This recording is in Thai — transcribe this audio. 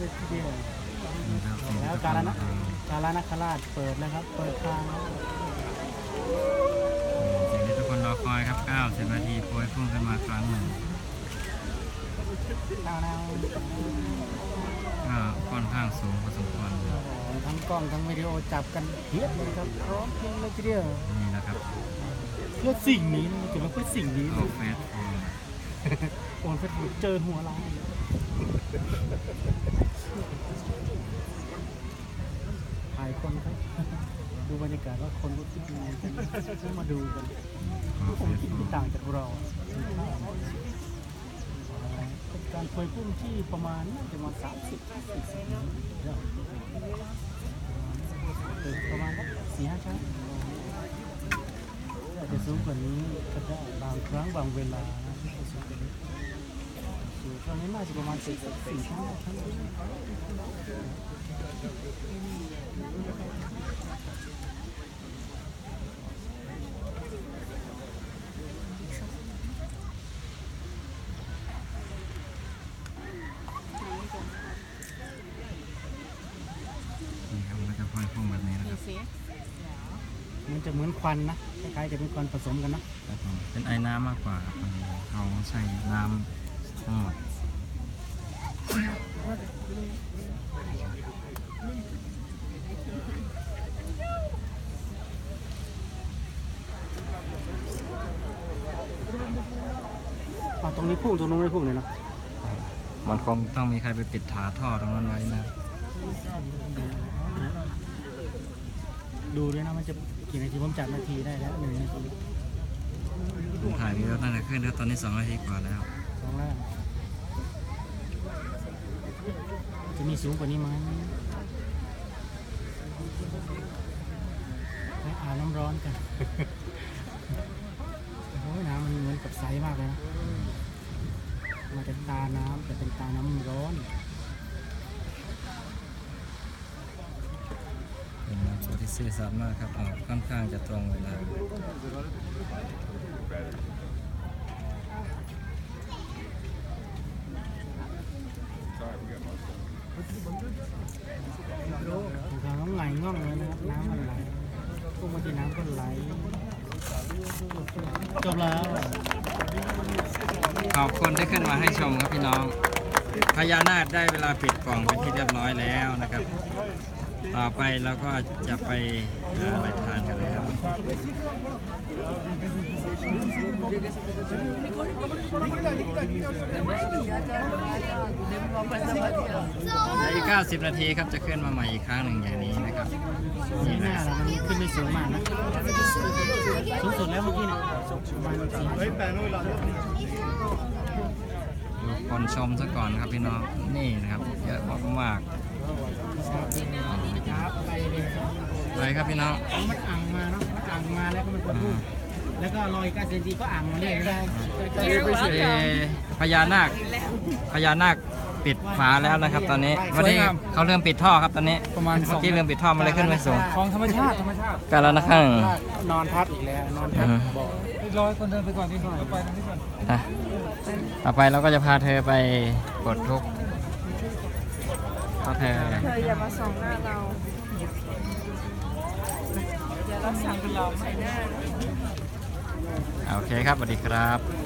เลยทีเดียวนี่ครับแล้วกาลนาคราชเปิดแล้วครับเปิดทางสิ่งที่ทุกคนรอคอยครับ90 นาทีโปรยพุ่งขึ้นมาครั้งหนึ่งก็ค่อนข้างสูงพอสมควรทั้งกล้องทั้งวิดีโอจับกันเทียบเลยครับพร้อมเพรียงเลยทีเดียวนี่นะครับเพื่อสิ่งนี้นะถือว่าเพื่อสิ่งนี้ออกเฟสโโอนเฟซบุ๊กเจอหัวเราถ่ายคนครับดูบรรยากาศว่าคนรู้สึกยังไงกันมาดูกันผมคิดไม่ต่างจากเราเป็นการเคยพุ่งที่ประมาณน่าจะมา30-40ประมาณ4-5 ครั้งอาจจะสูงกว่านี้ก็ได้บางครั้งบางเวลาที่สูงกว่านี้สูงครั้งนี้น่าจะประมาณ4-5 ครั้งนี่ครับมันก็จะโปรยพุ่งแบบนี้นะครับมันจะเหมือนควันนะคล้ายๆจะเป็นควันผสมกันนะครับผมเป็นไอ้น้ำมากกว่าครับเขาใส่น้ำทั้งหมดตรงนี้พุ่งตรงนู้นไม่พุ่งเลยนะมันคงต้องมีใครไปปิดถาท่อตรงนั้นไว้นะดูด้วยนะมันจะกี่นาทีผมจับนาทีได้แล้ว1 นาทีผมถ่ายวิดีโอตั้งแต่ขึ้นแล้วตอนนี้2 นาทีกว่าแล้ว 2 ล่างจะมีสูงกว่านี้ไหมไปอาบน้ำร้อนกัน โอ้ยน้ำมันเหมือนกับใสมากเลยนะมาจากตาน้ำแต่เป็นตาน้ำร้อนเป็นนักโชว์ที่ซื่อสัตย์มากครับออกค่อนข้างจะตรงเวลาของเขาต้องไหลง่องเลยนะครับน้ำมันไหลพวกบางทีน้ำก็ไหลจบแล้วขอบคุณที่ขึ้นมาให้ชมครับพี่น้องพญานาคได้เวลาปิดกล่องเป็นที่เรียบร้อยแล้วนะครับ ต่อไปเราก็จะไปหาอะไรทานกันเลยครับอีก90 นาทีครับจะขึ้นมาใหม่อีกครั้งหนึ่งอย่างนี้นะครับนี่หนะน้าเรามันขึ้นไม่สูงมากนะสูงสุดแล้วเมื่อกี้เนี่ยประมาณดูคนชมซะก่อนครับพี่น้องนี่นะครับเยอะมากครับไปเลยๆเลยครับพี่น้องมันอ่างมาเนาะมันอ่างมาแล้วก็มันกดพุ่งแล้วก็ลอยก้าเซนตีก็อ่างมาเรื่อยๆพญานาคปิดฝาแล้วนะครับ ตอนนี้วันนี้เขาเริ่มปิดท่อครับตอนนี้เมื่อกี้เริ่มปิดท่อมาเลยขึ้นไปสูงของธรรมชาติกันแล้วนะครับนอนทับอีกแล้วนอนทับบ่อรอยคนเดินไปก่อนที่หน่อยไปทางนี้ก่อนต่อไปเราก็จะพาเธอไปปลดทุกข์เพราะเธออย่ามาส่องหน้าเรา เดี๋ยวเราสั่งเราใส่หน้าโอเคครับสวัสดีครับ